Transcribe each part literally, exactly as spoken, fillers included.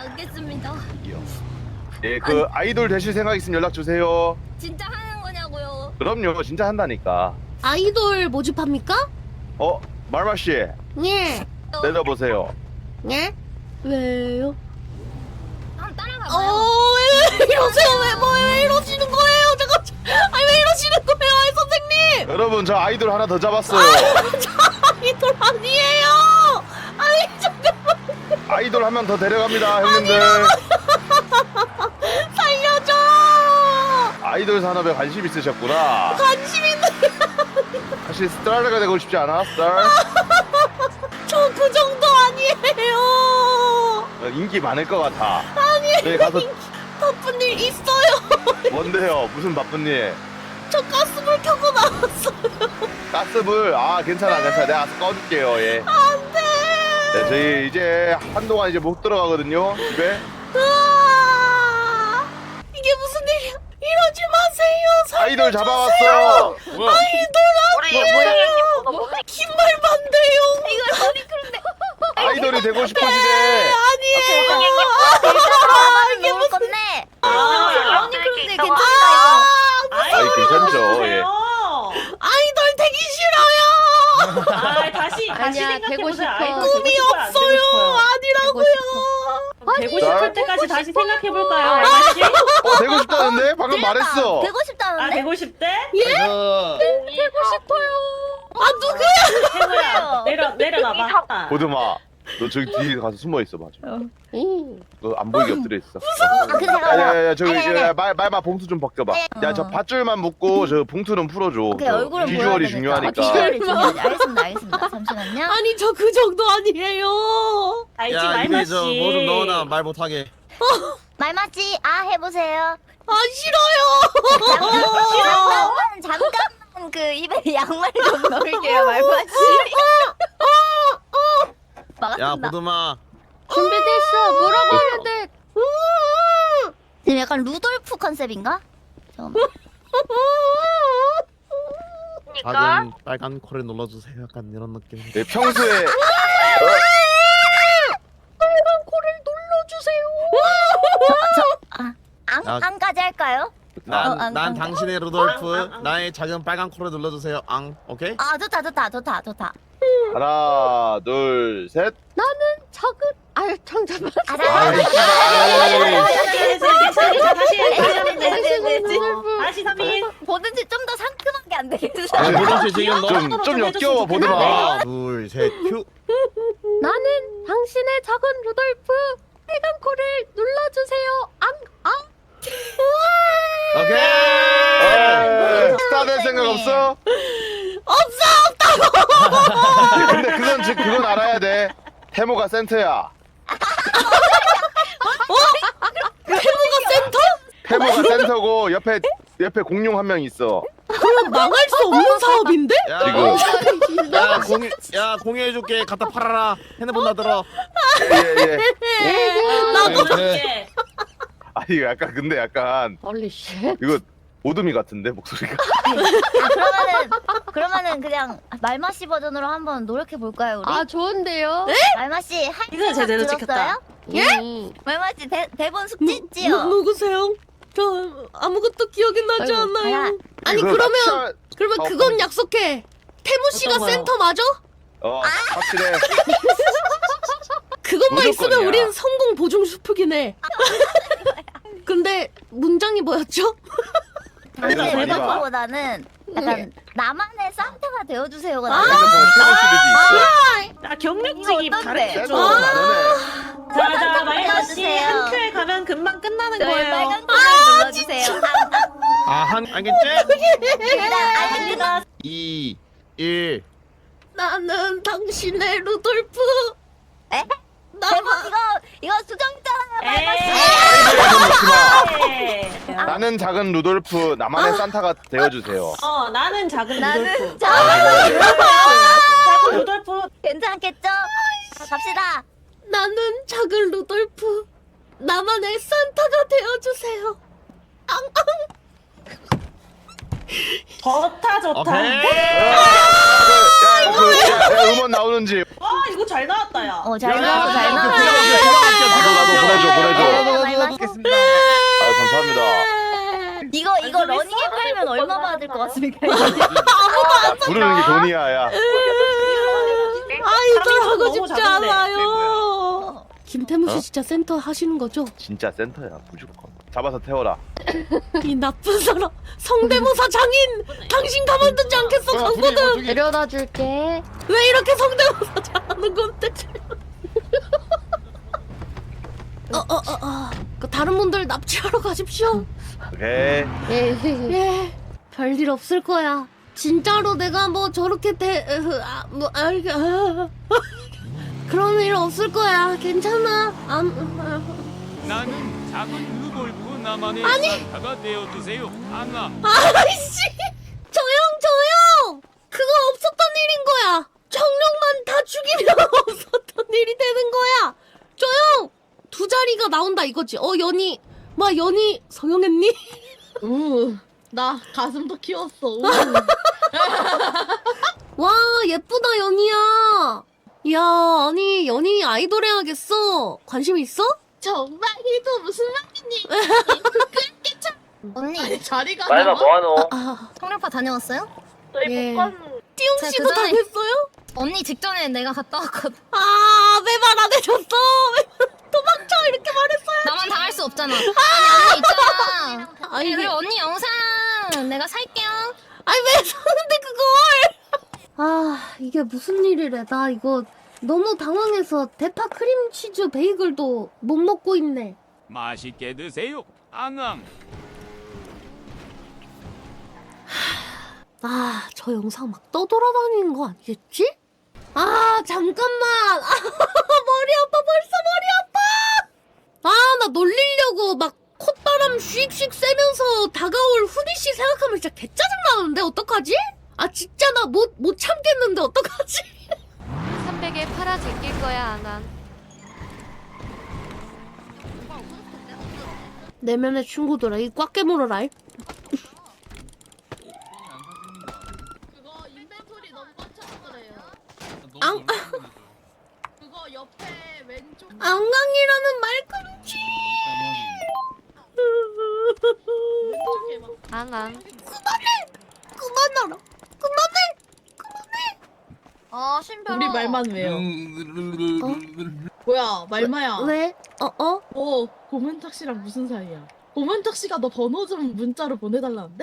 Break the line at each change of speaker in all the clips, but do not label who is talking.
알겠습니다.
예, 그 아이돌 되실 생각 있으면 연락 주세요.
진짜 하는 거냐고요?
그럼요, 진짜 한다니까.
아이돌 모집합니까?
어, 말마 씨,
예.
내려보세요.
예? 왜요?
한번 따라가봐요.
어, 왜 이러세요? 왜, 뭐, 왜 이러시는 거예요? 잠깐, 아니, 왜 이러시는 거예요, 아이 선생님?
여러분, 저 아이돌 하나 더 잡았어요.
저 아이돌 아니에요! 아니, 잠깐만,
아이돌 한 명 더 데려갑니다, 형님들.
살려줘!
아이돌 산업에 관심 있으셨구나.
관심 있는,
사실 스타가 되고 싶지 않아, 스타?
저 그 정도 아니에요!
인기 많을 것 같아.
아니,
네, 가서
바쁜 일 있어요!
뭔데요? 무슨 바쁜 일?
저 가스불 켜고 나왔어요!
가스불, 아, 괜찮아, 괜찮아. 내가 가서 꺼줄게요, 예.
안 돼!
네, 저희 이제 한동안 이제 못 들어가거든요, 집에.
으아! 이게 무슨 일이야? 이러지 마세요.
아이돌
살려주세요.
잡아왔어.
아이돌 아니에요. 긴말반대요.
이걸 머리 그런데
아이돌이 되고 싶으시대.
아니에요.
이게 무슨 건데?
아,
언니 그런데
이렇게
괜찮다
아이, 괜찮죠, 예.
아이돌 되기 싫어요.
아, 다시 다시
아니야, 되고
생각해보세요.
싶어.
아이돌
꿈이
되고 싶어요, 안 되고
없어요.
싶어요?
아니라고요.
되고 싶을 때까지 다시 생각해볼까요, 알마 씨?
어, 되고 싶다는데? 방금 말했어.
되고
아,
싶다는데?
되고 싶대?
되고 싶어요.
아 누구야?
해보야 내려 내려놔봐.
보드마, 너 저기 뒤에 가서 숨어 있어 봐. 너 안 보이게 엎드려 있어.
아, 근데 잠깐만.
야야야, 저기
아니, 아니,
야,
아니.
말 말마 봉투 좀 벗겨봐. 야, 저 밧줄만 묶고 저 봉투는 풀어줘.
오케이,
그
얼굴은
비주얼이
보여야
중요하니까.
되니까. 아, 비주얼이 중요하지. 알겠습니다, 알겠습니다. 잠시만요.
아니 저 그 정도 아니에요.
알지
야
알마
이게
씨.
저뭐 좀 넣어놔 말 못하게.
말맞지? 아, 해보세요.
아 싫어요.
잠깐만, 잠깐만, 그 입에 양말 좀 넣을게요, 말맞지?
야
막았습니다.
보드마.
준비됐어. 뭐라고 해야 돼?
지금 약간 루돌프 컨셉인가? 잠깐만.
작은 빨간 코를 눌러주세요. 약간 이런 느낌.
네, 평소에
아, 안,
야.
안까지 할까요?
난,
어, 안,
난
안.
당신의 루돌프. 나의 작은 빨간 코를 눌러주세요. 앙. 오케이?
아, 좋다, 좋다, 좋다, 좋다.
하나, 둘, 셋.
작은 아유 잠깐만.
알아.
아이, 씨발.
괜찮아 다시 해, 다시 하면 돼.
네,
다시 삼 인.
뭐든지 좀 더 상큼하게 안 되겠어?
아, 보드씨 지금 너.
좀, 좀 역겨워, 보드마.
하나, 둘, 셋, 큐.
나는 당신의 작은 루돌프 빨간 코를 눌러주세요. 앙 앙.
오케이.
에이, 스타 될 생각 없어?
없어.
근데 그건 즉 그건 알아야 돼. 태모가 센터야.
태무가 센터?
태모가 센터고 옆에 옆에 공룡 한 명 있어.
그럼 망할 수 없는 사업인데?
야,
지금.
야 공유, 야 공유해줄게. 갖다 팔아라. 핸드폰 나 들어.
예 예.
나도
이렇게.
아 이거 약간 근데 약간
헐리 쉣.
이거 오드미 같은데 목소리가.
아, 그러면은, 그러면은 그냥 말마씨 버전으로 한번 노력해 볼까요, 우리?
아 좋은데요?
말마씨, 한
이거 제대로
들었어요?
찍혔다.
예?
말마씨 대, 대본
누,
숙지했지요?
누구세요? 저 아무것도 기억이 나지
아이고,
않아요.
알아.
아니
이거
그러면
납치할-
그러면
어,
그건 약속해. 태무 씨가
어떤 거요?
센터 맞아?
어 확실해.
그것만 있으면
무조건이야.
우린 성공 보증 수프긴 해. 근데 문장이 뭐였죠?
당신의
많이 봐.
대본보다는 약간 나만의 산타가 되어주세요가
아,
나아요.
핸드폰 태모 시리즈 있어.
아 경력직이
이거 어떤데?
다르겠죠.
태모 다르네.
자자 말마 씨
눌러주세요.
한 큐에 가면 금방 끝나는
저희
거예요.
빨간 콜을 눌러주세요.
아, 한 알겠지?
일단 알겠습니다.
이, 일.
나는 당신의 루돌프.
에?
나만
대본 이거 이거 수정잖아요,
에이.
말마씨.
에이.
나는 작은 루돌프 나만의 산타가 되어주세요.
어 나는 작은
나는
루돌프.
작은
작은 루돌프.
괜찮겠죠? 자, 갑시다.
나는 작은 루돌프. 나만의 산타가 되어주세요.
좋다 좋다.
오케이.
야, 그, 야, 야, 음원 나오는지.
와 이거 잘 나왔다 야.
어, 잘
야,
나왔어, 잘
야,
나왔어.
그 부담 없게, 부담 없게, 부담
나도
없게.
나도 보내줘
하면 얼마 받을 것 같습니까?
야, 부르는 게 돈이야 야.
아 이거 하고
너무
싶지
작은데.
않아요. 김태무 씨
어?
진짜 센터 하시는 거죠?
진짜 센터야 무조건. 잡아서 태워라.
이 나쁜 사람 성대모사 장인 당신 가만두지 않겠어 강고등.
데려다 줄게.
왜 이렇게 성대모사 잘하는 건데? 어어어 어. 그 다른 분들 납치하러 가십시오.
오케이.
예.
예, 별일 없을 거야. 진짜로 내가 뭐 저렇게 대, 으, 아, 뭐, 아, 이게, 아, 그런 일 없을 거야. 괜찮아. 안, 아,
나는 작은 루돌프 나만의 산타가 되어주세요. 안나.
아이씨! 조용, 조용! 그거 없었던 일인 거야. 정령만 다 죽이면 없었던 일이 되는 거야. 조용! 두 자리가 나온다 이거지. 어, 연희. 마, 연희 성형했니?
우, 나 가슴도 키웠어. 우.
와, 예쁘다, 연희야. 야, 아니, 연희 아이돌 해야겠어. 관심 있어?
정말이도 무슨 말이니?
언니
아니, 자리가
말마
남아?
뭐하노?
아,
성룡파 다녀왔어요?
저희
예.
못 갔는데.
띠용
제가
씨도
그 전에-
다녔어요?
언니 직전에 내가 갔다 왔거든.
아, 왜 말 안 해줬어? 왜 도망쳐 이렇게 말했어요?
나만 당할 수 없잖아. 아니 언니 있잖아.
아니,
그리고 언니 영상 내가 살게요.
아니 왜 사는데 그걸? 아, 이게 무슨 일이래? 나 이거 너무 당황해서 대파 크림치즈 베이글도 못 먹고 있네.
맛있게 드세요. 안나.
아, 저 영상 막 떠돌아다니는 거 아니겠지? 아, 잠깐만. 아, 머리 아파, 벌써 머리 아파. 아, 나 놀리려고 막 콧바람 슉슉 쐬면서 다가올 후디 씨 생각하면 진짜 개짜증 나는데 어떡하지? 아, 진짜 나 못 못 참겠는데 어떡하지?
삼백에 팔아 제낄 거야, 안한.
내면의 친구들아, 이 꽉 깨물어라. 이.
그거 인벤토리 너무 꽉 차서 그래요.
앙,
그거 옆에 왼쪽.
앙강이라는 말꿈치.
왼쪽에 막.
안한.
그만하라. 그만해.
어 신별아.
우리 말만 왜요? 뭐야, 말마야.
왜? 어, 어?
어, 고문탁 씨랑 무슨 사이야? 고문탁 씨가 너 번호 좀 문자로 보내달라는데?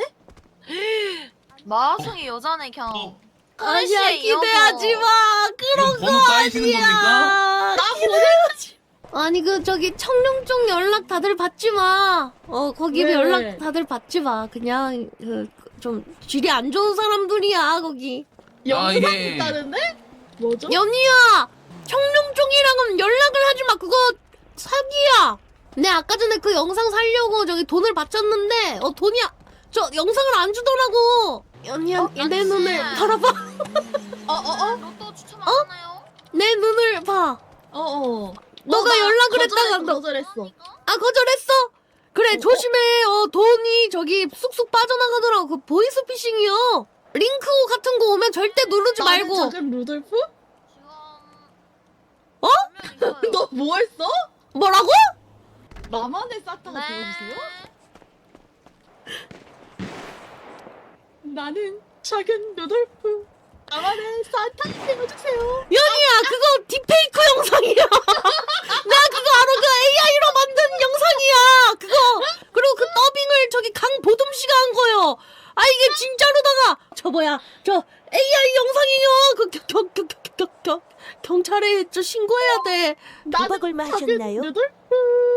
마성이 여자네 그냥.
아니야, 기대하지 마. 그런 거 아니야.
나 보내야지.
아니 그 저기 청룡 쪽 연락 다들 받지 마. 어 거기
왜,
연락
왜?
다들 받지 마. 그냥 그 좀 질이 안 좋은 사람들이야 거기.
영상
이게-
있다는데? 뭐죠?
연희야, 청룡 쪽이랑은 연락을 하지 마. 그거 사기야. 내 아까 전에 그 영상 살려고 저기 돈을 바쳤는데 어 돈이 아- 저 영상을 안 주더라고. 연희야, 내 눈을 바라봐.
어, 어, 어?
로또 추첨 안 하나요?
내 눈을 봐.
어, 어.
너가
나
연락을
거절했어,
했다가 너-
거절했어.
아, 거절했어? 그래,
어,
조심해. 어, 돈이 저기 쑥쑥 빠져나가더라고. 그 보이스피싱이요. 링크 같은 거 오면 절대 누르지
나는
말고.
작은 루돌프?
지금
어?
너 뭐 했어?
뭐라고?
나만의 사타가
네.
되어주세요? 나는 작은 루돌프. 나만의 사타 되어주세요.
연희야, 그거 딥페이크 영상이야. 나 그거 알아. 그 에이아이로 만든 영상이야. 그거. 그리고 그 더빙을 저기 강보듬 씨가 한 거요. 아, 이게 진짜로다가. 저 뭐야. 저 에이아이 영상이요. 그 겨, 겨, 겨, 겨, 겨, 겨, 경찰에 저 신고해야 돼. 도박을 마셨나요?
루돌프.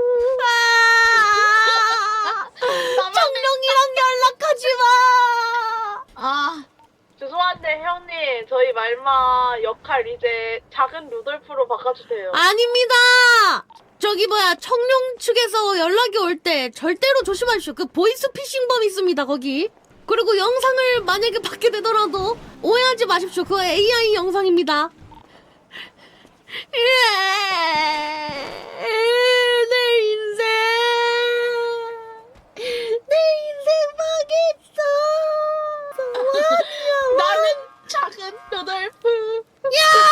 아, 정령이랑 연락하지 마.
아,
죄송한데 형님 저희 말마 역할 이제 작은 루돌프로 바꿔주세요.
아닙니다. 저기 뭐야, 청룡 측에서 연락이 올 때 절대로 조심하십시오. 그 보이스피싱범 있습니다 거기. 그리고 영상을 만약에 받게 되더라도 오해하지 마십시오. 그거 에이아이 영상입니다. 내 인생, 내 인생 망했어.
나는 작은 루돌프.
야!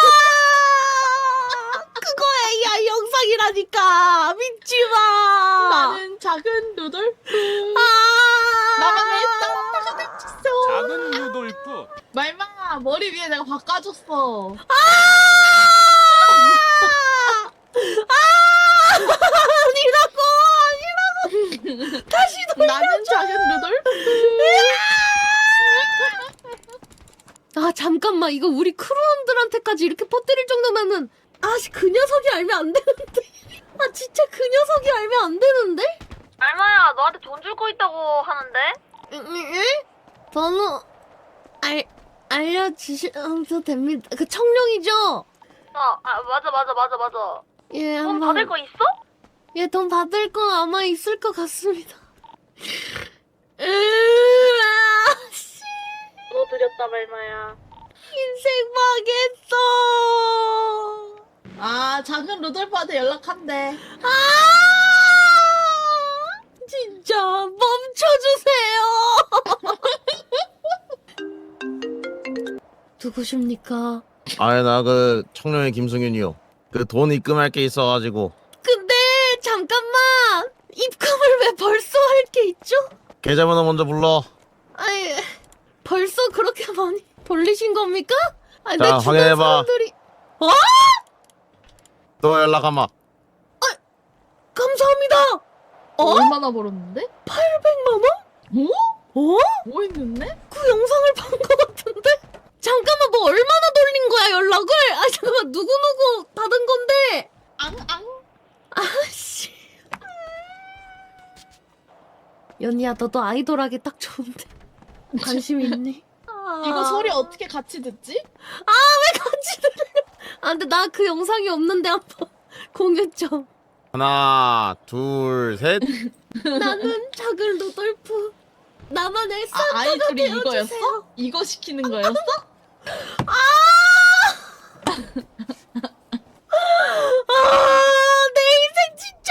그거 에이아이 영상이라니까. 믿지 마.
나는 작은 루돌프.
아.
나만의 사타가
루돌프.
말마 머리 위에 내가 바꿔줬어.
아! 아니라고 아니라고 다시 돌려.
나는 작은 루돌프.
아 잠깐만 이거 우리 크루원들한테까지 이렇게 퍼뜨릴 정도면은 아씨 그 녀석이 알면 안 되는데. 아 진짜 그 녀석이 알면 안 되는데.
말마야, 너한테 돈 줄 거 있다고 하는데?
응? 번호 알 알려주셔도 됩니다. 그 청룡이죠?
어, 아, 맞아, 맞아, 맞아, 맞아.
예,
돈
한번.
받을 거 있어?
예, 돈 받을 거 아마 있을 것 같습니다. 으아, 씨,
너 드렸다 말마야.
인생 망했어.
아 작은 루돌프한테 연락한대.
아, 진짜 멈춰주세요. 누구십니까?
아예 나 그 청년의 김승윤이요. 그 돈 입금할 게 있어가지고.
근데 잠깐만 입금을 왜 벌써 할 게 있죠?
계좌번호 먼저 불러.
아니 벌써 그렇게 많이 돌리신 겁니까? 아니
자,
내 주변
확인해봐.
사람들이 어?
또 연락하마.
감사합니다. 어?
얼마나 벌었는데?
팔백만 원?
뭐?
어?
뭐 했는데?
그 영상을 본 것 같은데? 잠깐만 뭐 얼마나 돌린 거야 연락을? 아 잠깐만 누구누구 받은 건데?
앙앙.
아씨 연희야 너도 아이돌 하기 딱 좋은데 관심 있니? 아...
이거 소리 어떻게 같이 듣지?
아 왜 같이 들려? 아 근데 나 그 영상이 없는데 한번 공유 좀.
하나, 둘, 셋.
나는 작은 루돌프 나만의
아,
산타가
아이돌이
되어주세요.
이거였어? 이거 시키는 거였어?
아! 아, 내 인생 진짜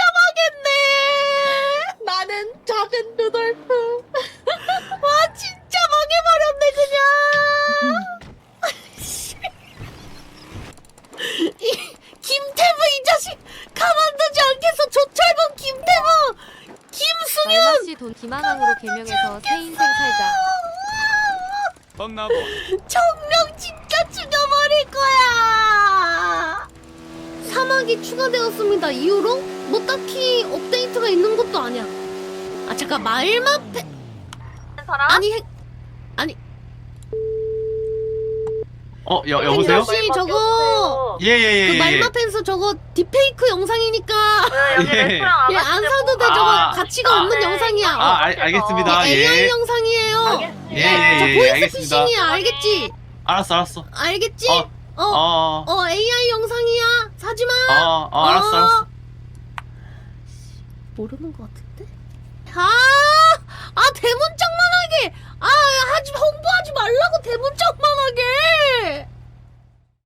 망했네.
나는 작은 루돌프.
와, 진짜 망해버렸네 그냥. 씨. 이 김태부 이 자식 가만두지 않겠어. 조철범 김태부 김승윤.
말마씨 돈 기만왕으로 개명해서 새 인생 살자.
뻥나보.
정령 진짜 죽여버릴 거야. 사막이 추가되었습니다. 이후로 뭐 딱히 업데이트가 있는 것도 아니야. 아 잠깐 말마 패
사람?
아니 핵 아니
어, 여, 여보세요?
혹시 저거
예, 예, 예.
그
예.
말마 펜서 저거 디페이크 영상이니까
왜 여기
예.
레스토랑 안
예 안 사도 돼. 저거
아,
가치가
아,
없는
네.
영상이야.
아, 알, 알겠습니다.
에이아이
예.
영상이에요.
예,
알겠습니다.
예,
저
예,
보이스
알겠습니다.
피싱이야. 알겠지?
알았어, 알았어.
알겠지?
어,
어,
어,
어, 에이아이 영상이야. 사지 마.
어, 어, 알았어, 알았어.
모르는 것 같은데? 아!